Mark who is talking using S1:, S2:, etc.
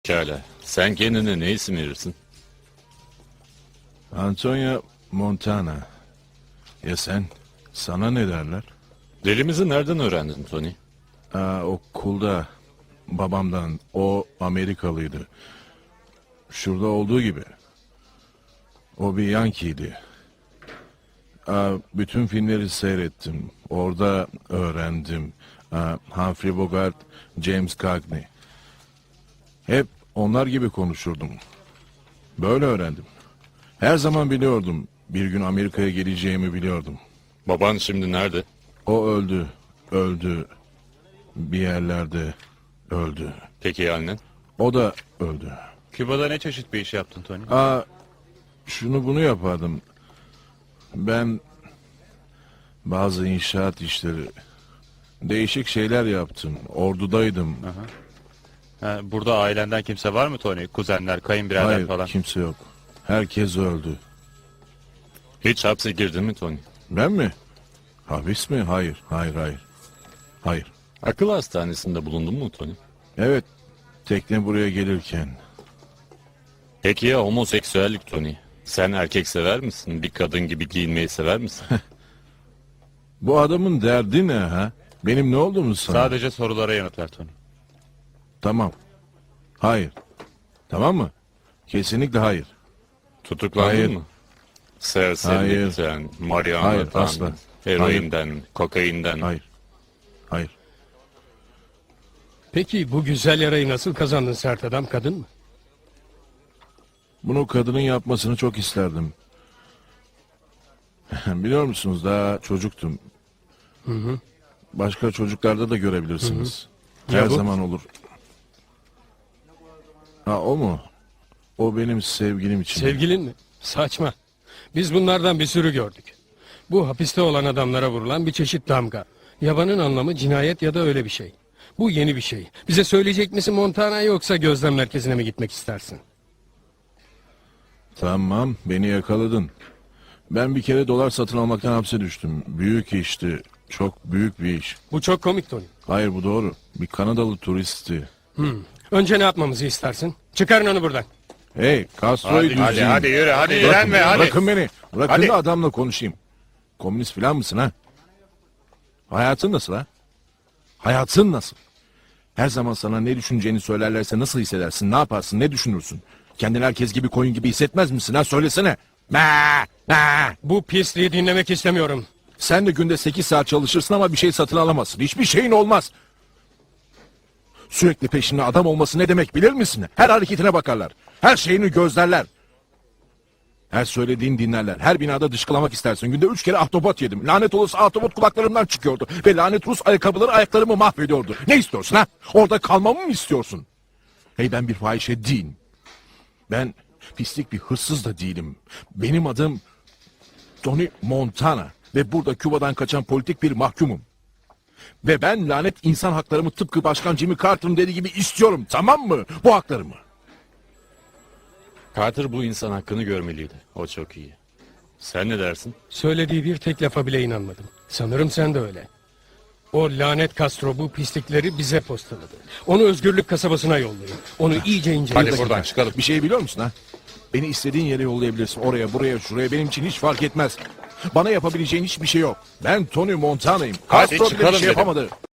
S1: Pekala. Sen kendine ne isim verirsin?
S2: Antonio Montana. Ya sen? Sana ne derler?
S1: Dilimizi nereden öğrendin Tony?
S2: Okulda babamdan. O Amerikalıydı. Şurada olduğu gibi. O bir Yankee'ydi. Bütün filmleri seyrettim. Orada öğrendim. Humphrey Bogart, James Cagney. Hep onlar gibi konuşurdum. Böyle öğrendim. Her zaman biliyordum. Bir gün Amerika'ya geleceğimi biliyordum.
S1: Baban şimdi nerede?
S2: O öldü. Öldü. Bir yerlerde öldü.
S1: Peki ya annen?
S2: O da öldü.
S3: Küba'da ne çeşit bir iş yaptın Tony?
S2: Şunu bunu yapardım. Ben bazı inşaat işleri, değişik şeyler yaptım. Ordudaydım.
S3: Burada ailenden kimse var mı Tony? Kuzenler, kayınbirader
S2: Hayır,
S3: falan.
S2: kimse yok. Herkes öldü.
S1: Hiç hapse girdin mi Tony?
S2: Ben mi? Hapis mi? Hayır, hayır, hayır. Hayır.
S1: Akıl hastanesinde bulundun mu Tony?
S2: Evet, tekne buraya gelirken.
S1: Peki ya homoseksüellik Tony? Sen erkek sever misin? Bir kadın gibi giyinmeyi sever misin?
S2: Bu adamın derdi ne ha? Benim ne olduğumu sana?
S3: Sadece sorulara yanıt ver Tony.
S2: Tamam. Hayır. Tamam mı? Kesinlikle hayır.
S1: Tutuklandın
S2: Hayır.
S1: mı? Serserilikten,
S2: Hayır,
S1: marihuana'dan,
S2: asla.
S1: heroinden, kokainden.
S2: Hayır. Hayır.
S4: Peki bu güzel yarayı nasıl kazandın sert adam, kadın mı?
S2: Bunu kadının yapmasını çok isterdim. Biliyor musunuz, daha çocuktum. Başka çocuklarda da görebilirsiniz.
S4: Ya
S2: Her
S4: bu?
S2: zaman olur. O mu? O benim sevgilim için.
S4: Sevgilin mi? Saçma. Biz bunlardan bir sürü gördük. Bu hapiste olan adamlara vurulan bir çeşit damga. Yabanın anlamı cinayet ya da öyle bir şey. Bu yeni bir şey. Bize söyleyecek misin Montana, yoksa gözlem merkezine mi gitmek istersin?
S2: Tamam, beni yakaladın. Ben bir kere dolar satın almaktan hapse düştüm. Büyük işti. Çok büyük bir iş.
S4: Bu çok komik Tony.
S2: Hayır, bu doğru. Bir Kanadalı turisti.
S4: Önce ne yapmamızı istersin? Çıkarın onu buradan.
S2: Hey, Castro'yu düzleyin.
S3: yürü, hadi
S2: Bırakın,
S3: direnme, hadi.
S2: bırakın beni. Bırakın
S3: Hadi.
S2: da adamla konuşayım. Komünist falan mısın ha? Hayatın nasıl ha? Hayatın nasıl? Her zaman sana ne düşüneceğini söylerlerse nasıl hissedersin? Ne yaparsın? Ne düşünürsün? Kendini herkes gibi, koyun gibi hissetmez misin ha? Söylesene.
S4: Bu pisliği dinlemek istemiyorum.
S2: Sen de günde 8 saat çalışırsın ama bir şey satın alamazsın. Hiçbir şeyin olmaz. Sürekli peşinde adam olması ne demek bilir misin? Her hareketine bakarlar. Her şeyini gözlerler. Her söylediğini dinlerler. Her binada dışkılamak istersin. Günde 3 kere ahtapot yedim. Lanet olası ahtapot kulaklarımdan çıkıyordu. Ve lanet Rus ayakkabıları ayaklarımı mahvediyordu. Ne istiyorsun ha? Orada kalmamı mı istiyorsun? Hey, ben bir fahişe değilim. Ben pislik bir hırsız da değilim. Benim adım Tony Montana. Ve burada Küba'dan kaçan politik bir mahkumum. Ve ben lanet insan haklarımı tıpkı Başkan Jimmy Carter'ın dediği gibi istiyorum, tamam mı? Bu haklarımı.
S1: Carter bu insan hakkını görmeliydi. O çok iyi. Sen ne dersin?
S4: Söylediği bir tek lafa bile inanmadım. Sanırım sen de öyle. O lanet Castro bu pislikleri bize postaladı. Onu özgürlük kasabasına yollayın. Onu iyice inceleyin.
S3: Hadi buradan çıkalım.
S2: Bir şey biliyor musun ha? Beni istediğin yere yollayabilirsin. Oraya, buraya, şuraya, benim için hiç fark etmez. Bana yapabileceğin hiçbir şey yok. Ben Tony Montana'yım.
S3: Hadi
S2: Castro bile bir
S3: çıkalım
S2: şey
S3: dedim.
S2: yapamadı.